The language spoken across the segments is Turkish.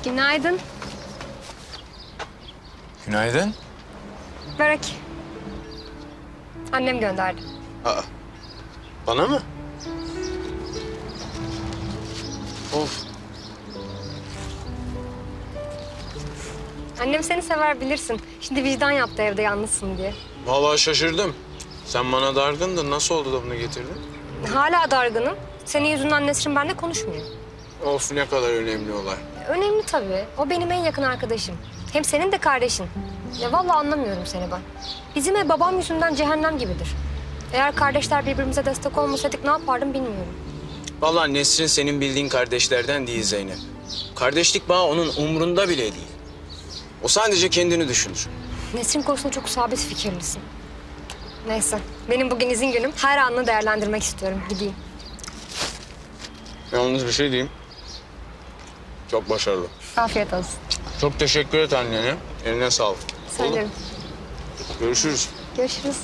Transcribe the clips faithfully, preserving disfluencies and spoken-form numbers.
Günaydın. Günaydın. Börek. Annem gönderdi. Aa, bana mı? Of. Annem seni sever bilirsin. Şimdi vicdan yaptı evde yalnızsın diye. Vallahi şaşırdım. Sen bana dargındın. Nasıl oldu da bunu getirdin? Hala dargınım. Senin yüzünden Nesrin benimle konuşmuyor. Of, ne kadar önemli olay. Önemli tabii. O benim en yakın arkadaşım. Hem senin de kardeşin. Ya vallahi anlamıyorum seni ben. Bizim ev babam yüzünden cehennem gibidir. Eğer kardeşler birbirimize destek olmasaydık ne yapardım bilmiyorum. Vallahi Nesrin senin bildiğin kardeşlerden değil Zeynep. Kardeşlik bağı onun umrunda bile değil. O sadece kendini düşünür. Nesrin konusunda çok sabit fikirlisin. Neyse, benim bugün izin günüm. Her anını değerlendirmek istiyorum. Gideyim. Yalnız bir şey diyeyim. Çok başarılı. Afiyet olsun. Çok teşekkür et annene. Eline sağlık. Söylerim. Görüşürüz. Görüşürüz.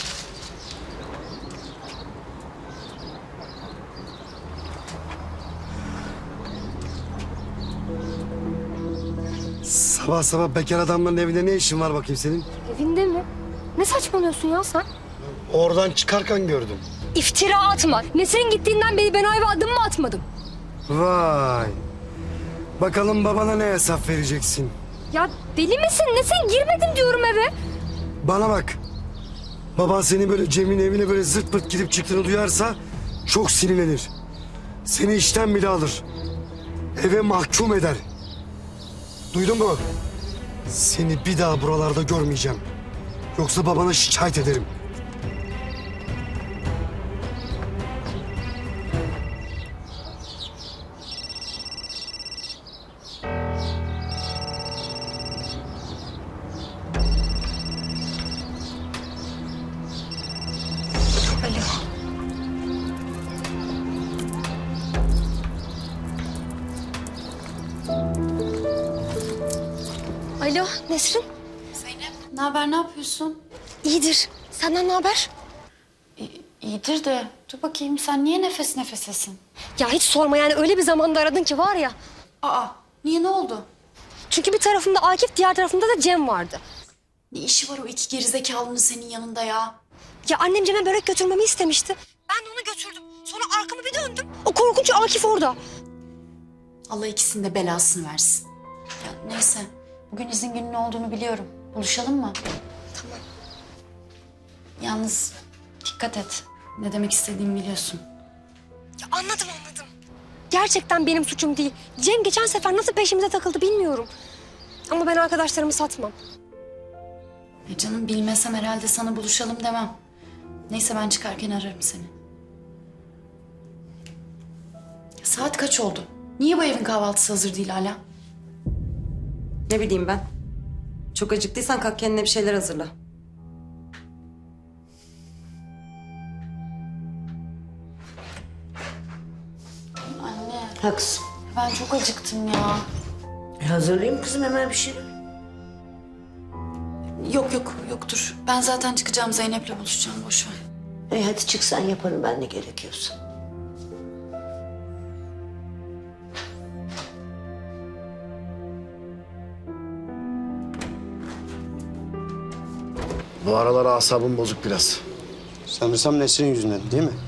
Sabah sabah bekar adamların evinde ne işin var bakayım senin? Evinde mi? Ne saçmalıyorsun ya sen? Oradan çıkarken gördüm. İftira atma. Nesrin gittiğinden beri ben o eve adım mı atmadım? Vay. Bakalım babana ne hesap vereceksin? Ya deli misin? Nesrin girmedim diyorum eve. Bana bak. Baban seni böyle Cem'in evine böyle zırt pırt gidip çıktığını duyarsa çok sinirlenir. Seni işten bile alır. Eve mahkum eder. Duydun mu? Seni bir daha buralarda görmeyeceğim. Yoksa babana şikayet ederim. Alo. Alo Nesrin. Zeynep, ne haber, ne yapıyorsun? İyidir. Senden ne haber? İ- İyidir de, dur bakayım sen niye nefes nefesesin? Ya hiç sorma yani öyle bir zamanda aradın ki var ya. Aa, niye, ne oldu? Çünkü bir tarafımda Akif, diğer tarafımda da Cem vardı. Ne işi var o iki gerizekalının senin yanında ya? Ya annem Cem'e börek götürmemi istemişti. Ben de onu götürdüm. Sonra arkamı bir döndüm. O korkunç Akif orada. Allah ikisinin de belasını versin. Ya neyse, bugün izin günün olduğunu biliyorum. Buluşalım mı? Tamam. Yalnız dikkat et. Ne demek istediğimi biliyorsun. Ya anladım anladım. Gerçekten benim suçum değil. Cem geçen sefer nasıl peşimize takıldı bilmiyorum. Ama ben arkadaşlarımı satmam. E canım bilmesem herhalde sana buluşalım demem. Neyse ben çıkarken ararım seni. Ya saat kaç oldu? Niye bu evin kahvaltısı hazır değil hala? Ne bileyim ben. Çok acıktıysan kalk kendine bir şeyler hazırla. Anne, Ha kızım. ben çok acıktım ya. E hazırlayayım kızım hemen bir şey. Yok yok yoktur. Ben zaten çıkacağım, Zeynep'le buluşacağım, boş ver. E hadi çık sen yaparım ben ne gerekiyorsa. Bu aralar asabım bozuk biraz. Sanırsam Nesrin yüzünden değil mi?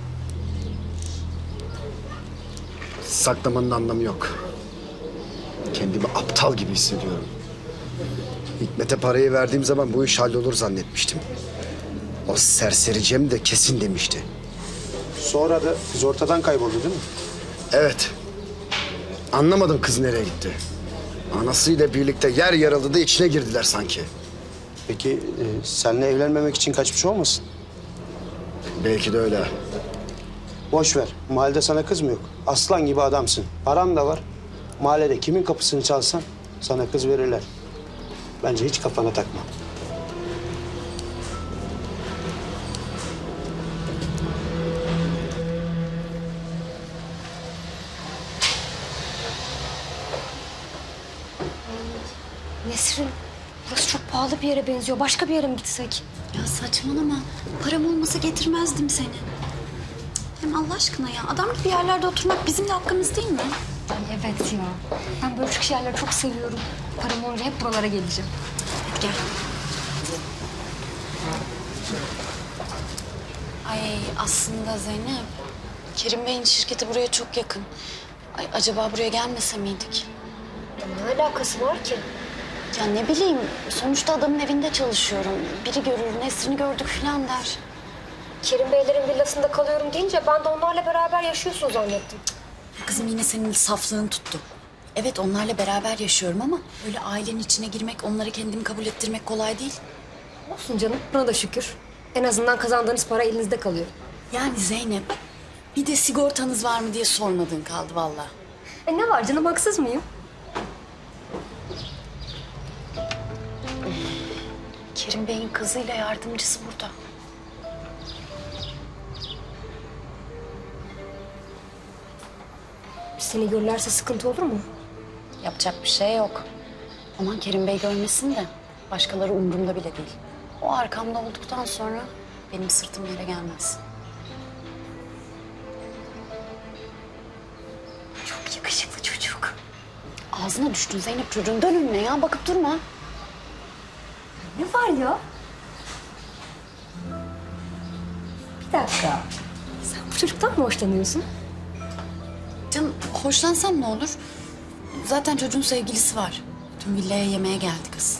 Saklamanın anlamı yok. Kendimi aptal gibi hissediyorum. Hikmet'e parayı verdiğim zaman bu iş hallolur zannetmiştim. O serseri Cem de kesin demişti. Sonra da kız ortadan kayboldu değil mi? Evet. Anlamadım kız nereye gitti. Anasıyla birlikte yer yarıldı da içine girdiler sanki. Peki e, seninle evlenmemek için kaçmış olmasın? Belki de öyle. Boş ver. Mahallede sana kız mı yok? Aslan gibi adamsın. Paran da var. Mahallede kimin kapısını çalsan sana kız verirler. Bence hiç kafana takma. Nesrin, burası çok pahalı bir yere benziyor. Başka bir yere mi gitsek? Ya saçmalama. Param olmasa getirmezdim seni. Hem Allah aşkına ya, adam gibi yerlerde oturmak bizim de hakkımız değil mi? Ay evet ya. Ben böyle küçük yerleri çok seviyorum. Param olunca hep buralara geleceğim. Hadi gel. Ay aslında Zeynep, Kerim Bey'in şirketi buraya çok yakın. Ay acaba buraya gelmese miydik? Ne alakası var ki? Ya ne bileyim, sonuçta adamın evinde çalışıyorum. Biri görür, Nesrin'i gördük falan der. Kerim Beylerin villasında kalıyorum deyince ben de onlarla beraber yaşıyorsun zannettim. Kızım yine senin saflığın tuttu. Evet onlarla beraber yaşıyorum ama öyle ailenin içine girmek, onları kendimi kabul ettirmek kolay değil. Olsun canım, buna da şükür. En azından kazandığınız para elinizde kalıyor. Yani Zeynep, bir de sigortanız var mı diye sormadığın kaldı vallahi. E ne var canım, haksız mıyım? Kerim Bey'in kızıyla yardımcısı burada. Seni görürlerse sıkıntı olur mu? Yapacak bir şey yok. Aman Kerim Bey görmesin de başkaları umurumda bile değil. O arkamda olduktan sonra benim sırtım yere gelmez. Çok yakışıklı çocuk. Ağzına düştün Zeynep çocuğun. Dön önüne ya, bakıp durma. Ne var ya? Bir dakika. Sen bu çocuktan mı hoşlanıyorsun? Canım hoşlansam ne olur? Zaten çocuğun sevgilisi var. Dün villaya yemeğe geldi kız.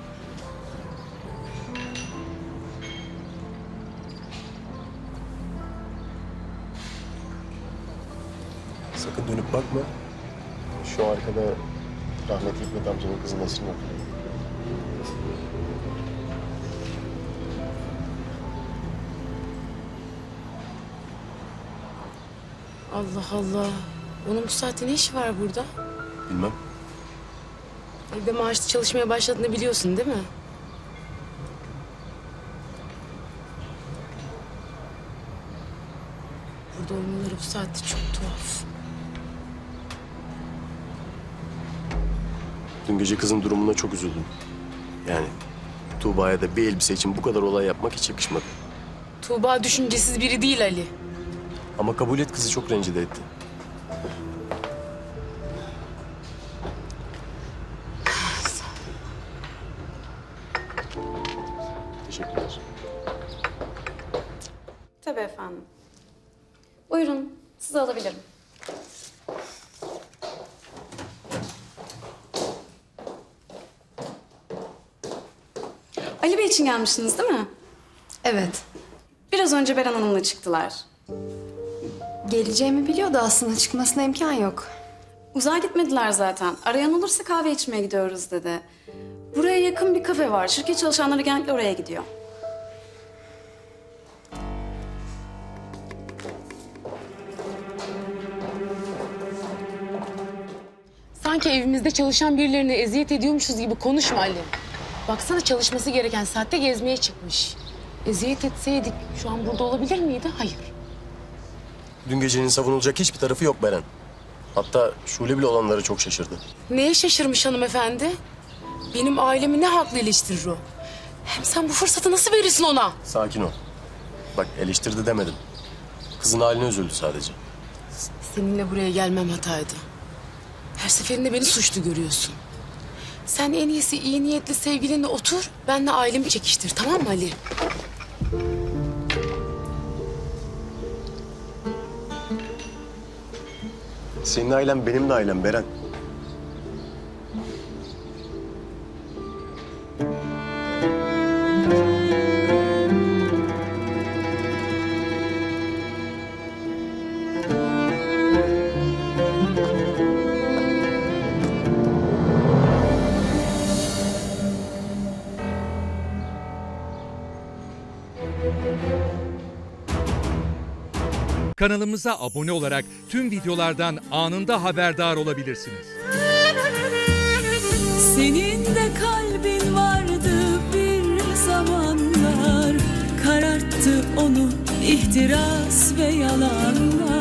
Sakın dönüp bakma. Şu arkada rahmetli Hikmet amcanın kızı Nesrin oturuyor. Allah Allah. Onun bu saatte ne işi var burada? Bilmem. Evde maaşlı çalışmaya başladığını biliyorsun değil mi? Burada olmaları bu saatte çok tuhaf. Dün gece kızın durumuna çok üzüldüm. Yani Tuğba'ya da bir elbise için bu kadar olay yapmak hiç yakışmadı. Tuğba düşüncesiz biri değil Ali. Ama kabul et, kızı çok rencide etti. Teşekkürler. Tabii efendim. Buyurun, sizi alabilirim. Ali Bey için gelmişsiniz değil mi? Evet. Biraz önce Beren Hanım'la çıktılar. Geleceğimi biliyordu aslında. Çıkmasına imkan yok. Uzağa gitmediler zaten. Arayan olursa kahve içmeye gidiyoruz dedi. Buraya yakın bir kafe var. Şirket çalışanları genellikle oraya gidiyor. Sanki evimizde çalışan birilerine eziyet ediyormuşuz gibi konuşma Ali. Baksana çalışması gereken saatte gezmeye çıkmış. Eziyet etseydik şu an burada olabilir miydi? Hayır. Dün gecenin savunulacak hiçbir tarafı yok Beren. Hatta Şule bile olanları çok şaşırdı. Neye şaşırmış hanımefendi? Benim ailemi ne haklı eleştirir o? Hem sen bu fırsatı nasıl verirsin ona? Sakin ol. Bak eleştirdi demedim. Kızın haline üzüldü sadece. Seninle buraya gelmem hataydı. Her seferinde beni suçlu görüyorsun. Sen en iyisi iyi niyetli sevgilinle otur, benle ailemi çekiştir, tamam mı Ali? Senin ailen benim de ailem Beren. Kanalımıza abone olarak tüm videolardan anında haberdar olabilirsiniz. Senin de kalbin vardı bir zamanlar, kararttı onu ihtiras ve yalanlar.